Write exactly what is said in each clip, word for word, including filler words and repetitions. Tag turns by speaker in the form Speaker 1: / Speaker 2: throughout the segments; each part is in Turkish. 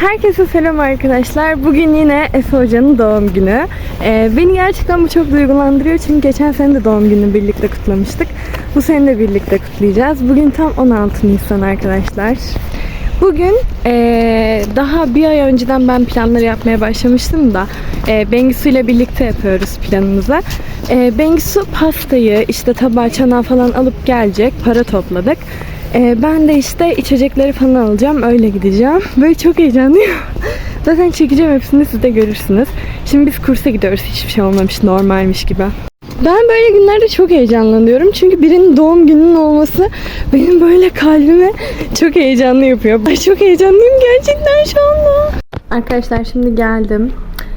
Speaker 1: Herkese selam arkadaşlar. Bugün yine Efe Hoca'nın doğum günü. Ee, beni gerçekten bu çok duygulandırıyor çünkü geçen sene de doğum gününü birlikte kutlamıştık. Bu sene de birlikte kutlayacağız. Bugün tam on altı Nisan arkadaşlar. Bugün ee, daha bir ay önceden ben planları yapmaya başlamıştım da e, Bengisu ile birlikte yapıyoruz planımızı. E, Bengisu pastayı, işte tabağı, çanağı falan alıp gelecek. Para topladık. Ee, ben de işte içecekleri falan alacağım. Öyle gideceğim. Böyle çok heyecanlıyım. Zaten çekeceğim hepsini, siz de görürsünüz. Şimdi biz kursa gidiyoruz. Hiçbir şey olmamış, normalmiş gibi. Ben böyle günlerde çok heyecanlanıyorum. Çünkü birinin doğum gününün olması benim böyle kalbime çok heyecanlı yapıyor. Ben çok heyecanlıyım gerçekten şu anda. Arkadaşlar şimdi geldim.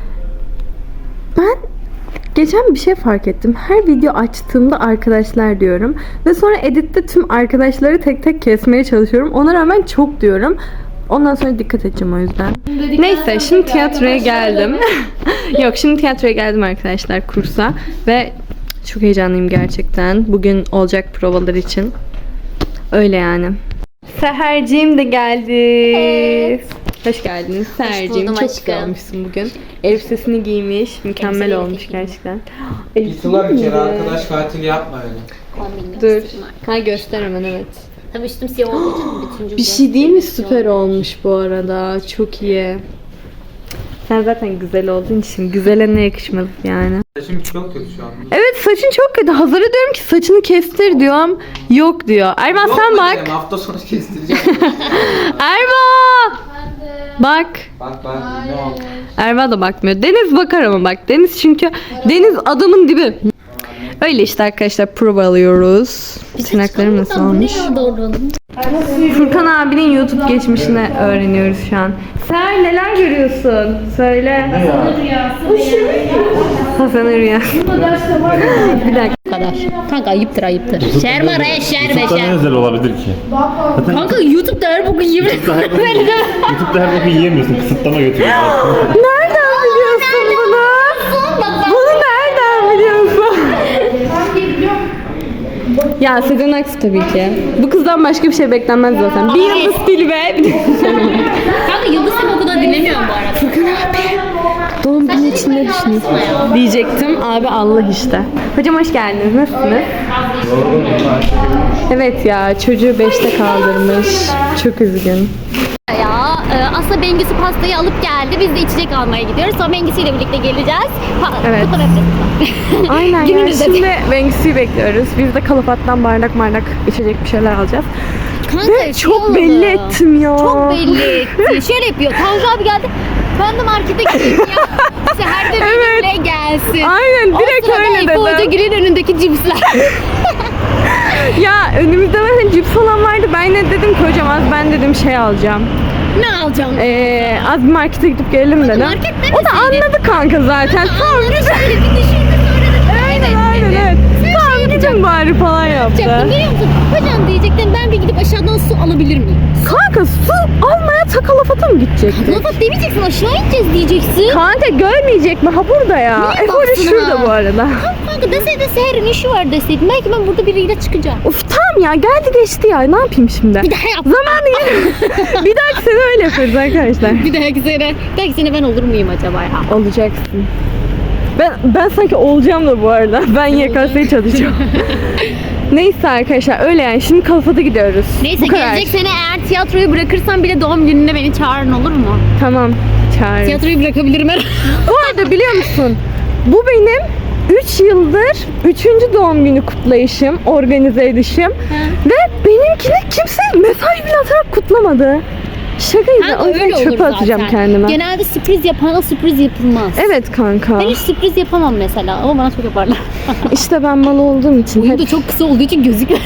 Speaker 1: Ben geçen bir şey fark ettim. Her video açtığımda arkadaşlar diyorum. Ve sonra editte tüm arkadaşları tek tek kesmeye çalışıyorum. Ona rağmen çok diyorum. Ondan sonra dikkat edeceğim o yüzden. Neyse şimdi tiyatroya geldim. Yok şimdi tiyatroya geldim arkadaşlar kursa. Ve çok heyecanlıyım gerçekten. Bugün olacak provalar için. Öyle yani. Seherciğim de geldi. Evet. Hoş geldiniz Seherciğim. Çok güzel olmuşsun bugün. Elbisesini giymiş. Mükemmel Elbise olmuş gerçekten.
Speaker 2: Gittiler bir kere arkadaş katili yapma öyle.
Speaker 1: Dur. Ha göster hemen, evet.
Speaker 3: Tabii üstüm siyah olduğu için
Speaker 1: bir şey değil mi? Süper olmuş bu arada. Çok iyi. Sen zaten güzel olduğun için güzele ne yakışmadı yani.
Speaker 2: Saçım çok kötü şu an.
Speaker 1: Evet saçın çok kötü. Hazır'a diyorum ki saçını kestir diyorum. Yok diyor. Erman
Speaker 2: Yok
Speaker 1: sen bak.
Speaker 2: dedim, hafta sonu kestireceğim.
Speaker 1: Erman! Bak.
Speaker 2: Bak bak ne oldu?
Speaker 1: Erva da bakmıyor. Deniz bakar ama bak. Deniz çünkü Deniz adamın dibi. Öyle işte arkadaşlar, prova alıyoruz. Tırnaklarım nasıl olmuş? Furkan abinin YouTube geçmişini öğreniyoruz şu an. Sen neler görüyorsun? Söyle.
Speaker 3: Hasan'ın rüyası.
Speaker 1: Hasan'ın rüyası. Bir dakika.
Speaker 3: Kadar. Kanka ayıptır ayıptır. Şerma re şerme
Speaker 4: YouTube'da ne
Speaker 3: şer.
Speaker 4: özel olabilir ki?
Speaker 3: Kanka YouTube'da her boku yemin
Speaker 4: YouTube'da her boku, YouTube'da her boku yiyemiyorsun. Kısıtlama götürüyor.
Speaker 1: Nereden biliyorsun bunu? Bunu nereden biliyorsun? Ya Sezen Aksu tabii ki. Bu kızdan başka bir şey beklenmez zaten. Bir yıldız dili ve...
Speaker 3: Kanka Yıldız Seni o kadar dinlemiyorum bu arada.
Speaker 1: Furkan abi. Doğum günü için ne düşünüyorsun? Diyecektim. Abi Allah işte. Hocam hoş geldiniz. Nasılsınız? Evet ya, çocuğu beşte kaldırmış. Çok üzgün.
Speaker 3: Ya e, aslında Bengisu pastayı alıp geldi. Biz de içecek almaya gidiyoruz. Sonra Bengisu ile birlikte geleceğiz. Pa
Speaker 1: Evet.
Speaker 3: Kutlama yapacağız.
Speaker 1: Aynen ya.
Speaker 3: Gününüzde.
Speaker 1: Şimdi Bengisu'yu bekliyoruz. Biz de Kalafat'tan bardak bardak içecek bir şeyler alacağız.
Speaker 3: Kanka,
Speaker 1: Ve
Speaker 3: şey
Speaker 1: çok
Speaker 3: oldu.
Speaker 1: belli ettim ya.
Speaker 3: Çok belli etti. Şöyle yapıyor. Tanju abi geldi. Ben de markete gideyim ya. Seher de
Speaker 1: Evet.
Speaker 3: benimle gelsin.
Speaker 1: Aynen, direkt
Speaker 3: o sırada
Speaker 1: öyle
Speaker 3: Efe
Speaker 1: dedim.
Speaker 3: Hoca Gül'ün önündeki cipsler.
Speaker 1: Ya önümüzde zaten cips falan vardı. Ben ne dedim ki hocam, az ben dedim şey alacağım.
Speaker 3: Ne alacağım?
Speaker 1: Ee, az bir markete gidip gelelim dedim.
Speaker 3: market
Speaker 1: O da anladı kanka zaten. Tamam
Speaker 3: Onları şöyle bir düşündü sonra da
Speaker 1: aynen aynen evet. Tamam gidin bari falan yaptı.
Speaker 3: yapacaktım. Biliyor musun? Hocam diyecektim, ben bir gidip aşağıdan su alabilir miyim?
Speaker 1: Kanka su almaya Takalafata mı gidecekti?
Speaker 3: Lafat demeyeceksin, aşağı ineceğiz diyeceksin.
Speaker 1: Kanka görmeyecek mi? Ha burada ya.
Speaker 3: Niye
Speaker 1: Efe Hoca
Speaker 3: baksana?
Speaker 1: şurada bu arada.
Speaker 3: Kanka deseydin Seher'in işi var deseydin. Belki ben burada biriyle çıkacağım.
Speaker 1: Of tamam ya, geldi geçti ya. Ne yapayım şimdi?
Speaker 3: Bir daha yap.
Speaker 1: Zamanı gelir. Bir dahaki sene öyle yaparız arkadaşlar.
Speaker 3: Bir dahaki sene, bir dahaki sene ben olur muyum acaba ya?
Speaker 1: Olacaksın. Ben ben sanki olacağım da bu arada. Ben Y K S'ye çalışacağım. Neyse arkadaşlar öyle yani. Şimdi Kalafat'a gidiyoruz.
Speaker 3: Neyse
Speaker 1: Bu kadar.
Speaker 3: gelecek sene eğer tiyatroyu bırakırsam bile doğum gününe beni çağırın, olur mu?
Speaker 1: Tamam. Çağır.
Speaker 3: Tiyatroyu bırakabilirim her.
Speaker 1: Bu arada biliyor musun? Bu benim üç yıldır üçüncü doğum günü kutlayışım, organize edişim. Ve benimkini kimse mesaj bile atarak kutlamadı. Şaka gibi.
Speaker 3: Kanka
Speaker 1: O yüzden
Speaker 3: öyle olur
Speaker 1: çöpe atacağım
Speaker 3: zaten.
Speaker 1: kendime.
Speaker 3: Genelde sürpriz yapana sürpriz yapılmaz.
Speaker 1: Evet kanka.
Speaker 3: Ben hiç sürpriz yapamam mesela ama bana çok yaparlar.
Speaker 1: İşte ben mal olduğum için
Speaker 3: Boyum
Speaker 1: hep...
Speaker 3: da çok kısa olduğu için gözükmüyor.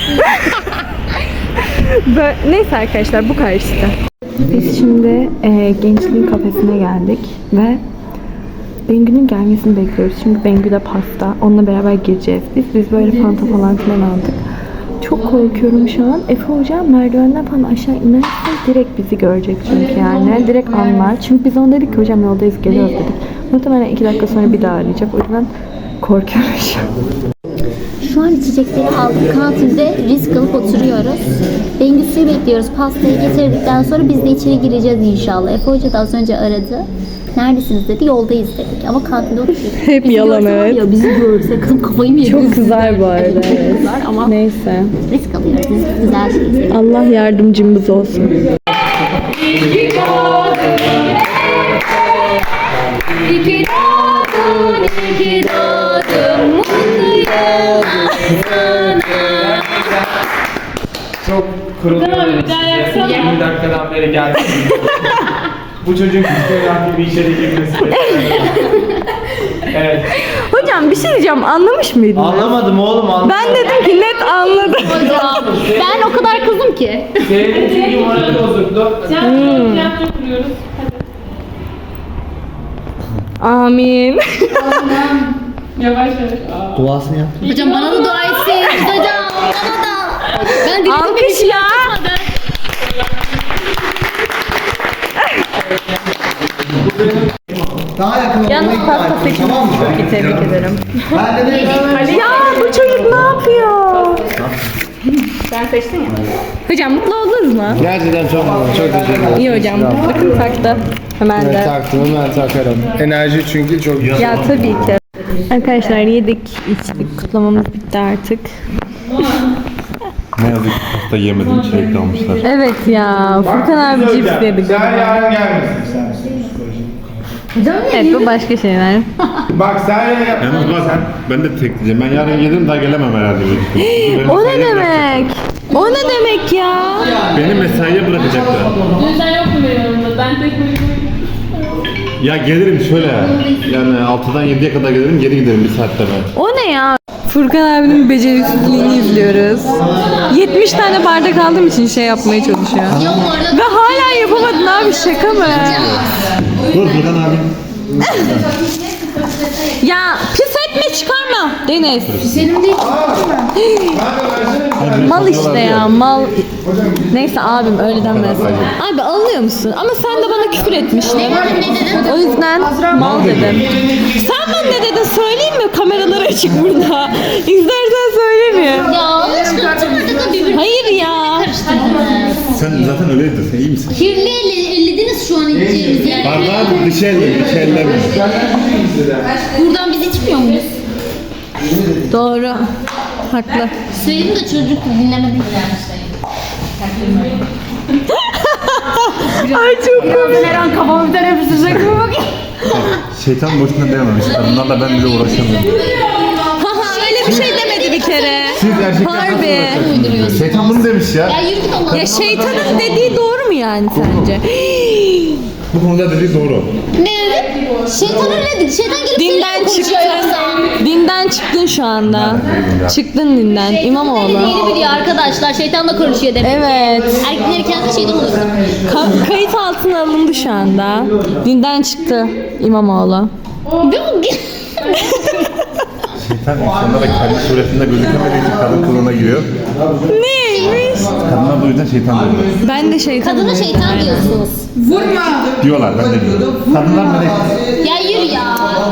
Speaker 1: Böyle... Neyse arkadaşlar bu kadar işte. Biz şimdi e, gençliğin kafesine geldik ve Bengü'nün gelmesini bekliyoruz. Çünkü Bengü'de pasta. Onunla beraber gireceğiz. Biz biz böyle fanta falan filan aldık. Çok korkuyorum şu an. Efe Hoca merdivenden falan aşağı inerse direkt bizi görecek çünkü yani. Direkt anlar. Çünkü biz ona dedik ki hocam yoldayız geliyoruz dedik. Muhtemelen iki dakika sonra bir daha arayacak. O yüzden korkuyorum şu an. Şu
Speaker 3: Şu an içecekleri aldık. Kantinde risk alıp oturuyoruz. Bengüsü'yü bekliyoruz. Pastayı getirdikten sonra biz de içeri gireceğiz inşallah. Efe Hoca da az önce aradı. Neredesiniz dedi. Yoldayız dedik. Ama kantinde oturuyoruz.
Speaker 1: Hep
Speaker 3: Bizi
Speaker 1: yalan,
Speaker 3: görse var
Speaker 1: evet.
Speaker 3: ya, bizi görse kızım kafayı mı yediniz?
Speaker 1: Çok kızar bu arada.
Speaker 3: Evet, çok kızar ama
Speaker 1: Neyse.
Speaker 3: risk alıyoruz. Biz güzel şey seviyoruz.
Speaker 1: Allah yardımcımız olsun.
Speaker 3: İki doğdun, iki doğdun, mutlu yıllar sana.
Speaker 2: Çok kuruluyor. yirmi dakikadan beri geldi.
Speaker 4: Bu çocuğun küçük bir işe de girmesi.
Speaker 2: Evet.
Speaker 1: Hocam bir şey diyeceğim, anlamış mıydın?
Speaker 2: Anlamadım oğlum anlamadım.
Speaker 1: Ben dedim ki net anladım.
Speaker 3: Hocam ben o kadar kızım ki.
Speaker 2: Senin çünkü morali bozuktu.
Speaker 1: Amin.
Speaker 2: Duasını yap.
Speaker 3: Hocam bana da dua etsin. Hocam bana da. Ben dilim
Speaker 1: Alkış ya.
Speaker 5: Daha yakın
Speaker 1: Yalnız
Speaker 5: olmayı
Speaker 1: pasta
Speaker 5: ikna ettim,
Speaker 1: seçimi
Speaker 5: tamam mı?
Speaker 1: çok iyi, tebrik ederim.
Speaker 5: Ben de dedim
Speaker 1: Ya bu çocuk ne yapıyor? Sen seçtin ya. Hocam mutlu oldunuz mu?
Speaker 6: Gerçekten çok mutlu, çok teşekkür ederim.
Speaker 1: İyi hocam. Bakın taktı. Hemen
Speaker 6: Evet,
Speaker 1: de.
Speaker 6: taktım, hemen takarım. Enerji çünkü çok güzel.
Speaker 1: Ya tabii ki. Arkadaşlar yedik, içtik. Kutlamamız bitti artık.
Speaker 4: Ne yazık ki pasta yemedim, çilek almışlar.
Speaker 1: Evet ya. Furkan abi cips yedik.
Speaker 6: Sen yarın gelmesin sen.
Speaker 1: Evet bu başka şeyler.
Speaker 6: Bak sen yarın gel.
Speaker 4: Yalnız bak ben de tek diyeceğim. Ben yarın gelirim daha gelemem herhalde. Benim
Speaker 1: O ne
Speaker 4: mesaiye
Speaker 1: demek? O ne demek ya?
Speaker 4: bırak- Beni mesaiye bırakacaklar.
Speaker 7: Dün sen yoktun benim yanımda. Ben tek başıma.
Speaker 4: Ya gelirim şöyle. Yani altıdan yediye kadar gelirim, geri giderim bir saatte ben.
Speaker 1: O ne ya? Furkan abinin beceriksizliğini izliyoruz. yetmiş tane bardak aldığım için şey yapmaya çalışıyor.
Speaker 3: Ya bu arada
Speaker 1: Ve hala yapamadın abi, şaka mı?
Speaker 4: Dur Furkan abi.
Speaker 1: Ya pis etme, çıkarma Deniz.
Speaker 3: senin değil.
Speaker 1: Mal işte ya, mal. Neyse abim öyle denmez. Abi alınıyor musun? Ama sen de bana küfür etmiştin.
Speaker 3: Ne dedin?
Speaker 1: O yüzden mal dedim. Sen bana ne dedin söyleyeyim mi? Kameralar açık burada. İzlersen söylemiyorum.
Speaker 3: Ya çıkartamadık da birbirine
Speaker 1: Hayır ya.
Speaker 3: karıştırdınız.
Speaker 4: Sen zaten öyleydin, sen iyi misin?
Speaker 3: Kirli elle, ellediniz şu an içeceğimiz yani.
Speaker 4: Bardağı dışı elle, dışı elle mi?
Speaker 3: Buradan biz içmiyor muyuz?
Speaker 1: Doğru. Haklı.
Speaker 3: Söyledim de çocuk dinlemedi.
Speaker 1: Ay çok komik.
Speaker 3: Her an kafama bir tane yapıştıracak mı bakayım?
Speaker 4: Şeytan boşuna dememiş. Kadınlarla ben bile uğraşamıyorum.
Speaker 1: Haha öyle bir şey demedi bir kere.
Speaker 4: Siz erkekler nasıl
Speaker 1: Harbi.
Speaker 4: uğraşamıyorsunuz? Şeytan bunu demiş ya.
Speaker 3: Ya yürü git Allah'ım.
Speaker 1: Ya şeytanın dediği doğru mu yani sence?
Speaker 4: Bu konuda dediği doğru.
Speaker 3: Ne dedi? Şeytan öyle dedi. Şeytan gelip
Speaker 1: Dinden
Speaker 3: seninle konuşuyor
Speaker 1: çıktın.
Speaker 3: yoksa.
Speaker 1: Dinden çıktın şu anda. Çıktın dinden. İmamoğlu.
Speaker 3: Yeni biliyor arkadaşlar. Şeytanla konuşuyor demek.
Speaker 1: Evet.
Speaker 3: Erkekleri kendisi şeytan oluyor.
Speaker 1: Ka- kayıt altına alındı şu anda. Dinden çıktı İmamoğlu.
Speaker 4: Şeytan insanlara kendi suretinde gözükemediği için kadın kılığına giriyor.
Speaker 1: Neymiş?
Speaker 4: Kadınlar da o yüzden şeytan diyorlar.
Speaker 1: Ben de şeytan
Speaker 3: Kadına
Speaker 1: diyorum.
Speaker 3: şeytan diyorsunuz.
Speaker 4: Diyorlar, ben de diyorum. Kadınlar melek.
Speaker 3: Ya yürü ya.